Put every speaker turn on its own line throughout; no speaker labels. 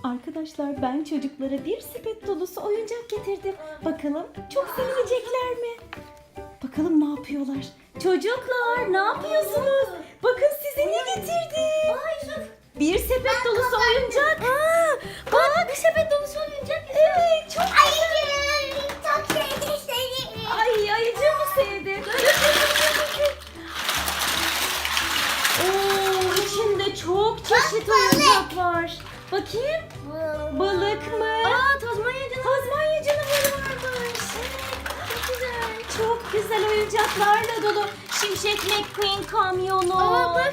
Arkadaşlar ben çocuklara bir sepet dolusu oyuncak getirdim. Bakalım çok sevinecekler mi? Bakalım ne yapıyorlar? Çocuklar ne yapıyorsunuz? Bakın size ne getirdim. Bir sepet dolusu oyuncak. Bak bir sepet dolusu oyuncak. Evet çok güzel.
Çok sevdim.
Ay ayıcığı mı sevdi? Oo, içinde çok çeşit oyuncak var. Bakayım. Balık mı?
Tazmanya
Tazmanya canavarı varmış. Çok güzel. Çok güzel oyuncaklarla dolu. Şimşek McQueen kamyonu.
bak.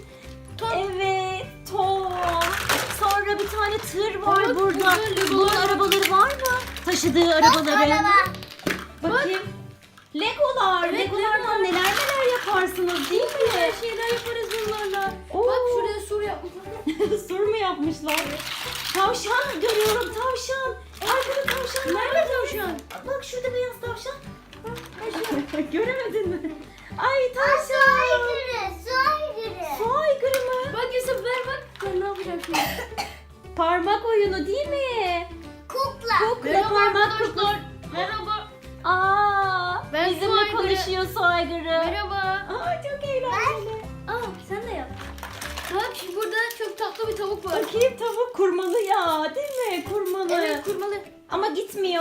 Evet, Tom. Sonra bir tane tır var
Bak,
burada.
güzel,
Bunun
Legolar.
arabaları var mı? Taşıdığı arabaları.
Araba.
Bakayım. Legolar.
Evet,
Legolardan
Legolar.
neler yaparsınız değil mi?
Şeyler yaparız bunlarla.
Oo.
Bak şuraya sur yapmışlar.
Sur mu yapmışlar? Tavşan görüyorum, tavşan. Arkada tavşan.
Nerede tavşan?
Bak şurada beyaz tavşan. Göremedin mi? Ay tavşan. Su aygırı mı?
Bak Yusuf ver bak. Ben ne yapacağım şimdi?
Parmak oyunu değil mi? Kukla
Merhaba
parmak
arkadaşlar.
kukla.
Merhaba.
Aa,
Ben su
bizimle
aygırı.
konuşuyor su aygırı.
Merhaba.
Aa, çok eğlenceli.
Sen de yap. Bak burada çok tatlı bir tavuk var.
Bakayım tavuk kurmalı ya değil mi? Kurmalı.
Evet kurmalı.
Ama gitmiyor.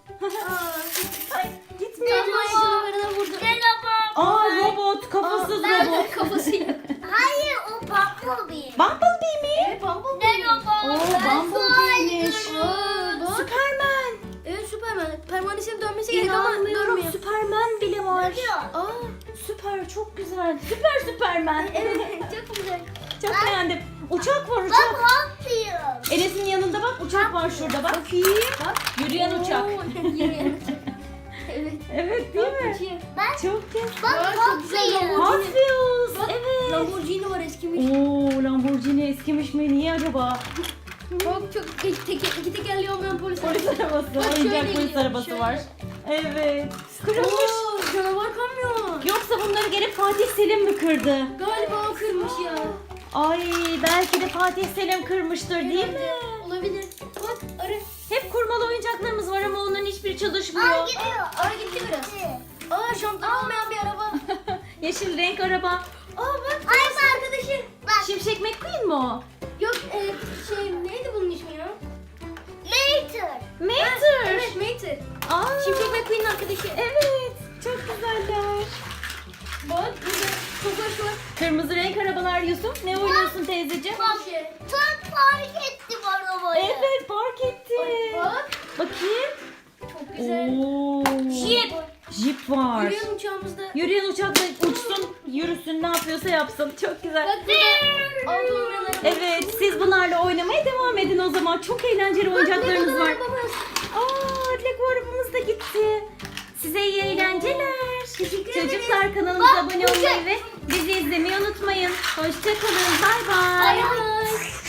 Ay gitmiyor.
Tazmanya canavarına vurdu.
Aa robot, kafasız robot.
Kafası yok.
Hayır o Bumblebee.
Bumblebee mi?
Evet Bumblebee.
Oo Bumblebee'miş.
Bak.
Superman.
Evet Superman. Pervanesinin dönmesi gerek ama
İnanmıyorum.
durmuyor.
Superman bile var.
Aa,
Süper, çok güzel. Süper Superman.
evet çok güzel.
Çok beğendim. Uçak var
Bak
uçak.
Hopfield.
Enes'in yanında bak uçak var şurada bak.
Bak.
Yürüyen uçak.
Oo, yürüyen uçak. Evet.
Evet değil mi?
Uçuyor.
Çok güzel.
Bak
Çok güzel
Hopfield.
Hot
Lamborghini.
Wheels.
Bak,
Evet.
Lamborghini var eskimiş.
Oo Lamborghini eskimiş mi? Niye acaba?
Bak çok iki tekerleği olmayan polis.
Polis arabası.
Bak, şöyle
Oyuncak polis
gidiyor,
arabası
şöyle.
var. Evet. Kırılmış.
Oo, canavar kamyon.
Yoksa bunları gelip Fatih Selim mi kırdı?
Galiba o kırmış ya.
Ay belki de Fatih Selim kırmıştır değil mi?
Olabilir. Bak arı.
Hep kurmalı oyuncaklarımız var ama onların hiçbiri çalışmıyor.
Aa gidiyor.
Arı gitti biraz. Aa şampiyon olmayan bir araba.
Yeşil renk araba.
Aa bak.
Ay bu arkadaşım. Bak.
Şimşek McQueen mi o?
Yok neydi bunun ismi ya?
Later.
Mater.
Evet Mater.
Aa,
Şimşek McQueen'in arkadaşı.
Evet. Çok güzeller.
Bak burada Tofaş var.
Kırmızı renk arabalar Yusuf. Ne oynuyorsun teyzeciğim?
Bak.
Şey.
Tam fark ettim arabayı.
Evet park etti.
Bak.
Bakayım.
Çok güzel.
Oo.
Jeep.
Jeep var.
Yürüyen uçağımızda.
Yürüyen uçakla uçsun, yürüsün, ne yapıyorsa yapsın. Çok güzel.
Bak burada altı olmayan araba.
Evet, siz bunlarla oynamaya devam edin o zaman. Çok eğlenceli oyuncaklarınız var.
Arabamız.
Aa, Lego arabamız da gitti. Size iyi eğlenceler.
Teşekkür ederim.
Çocuklar kanalımıza
Bak,
abone olmayı ve bizi izlemeyi unutmayın. Hoşçakalın. Bay bay.
Bay bay.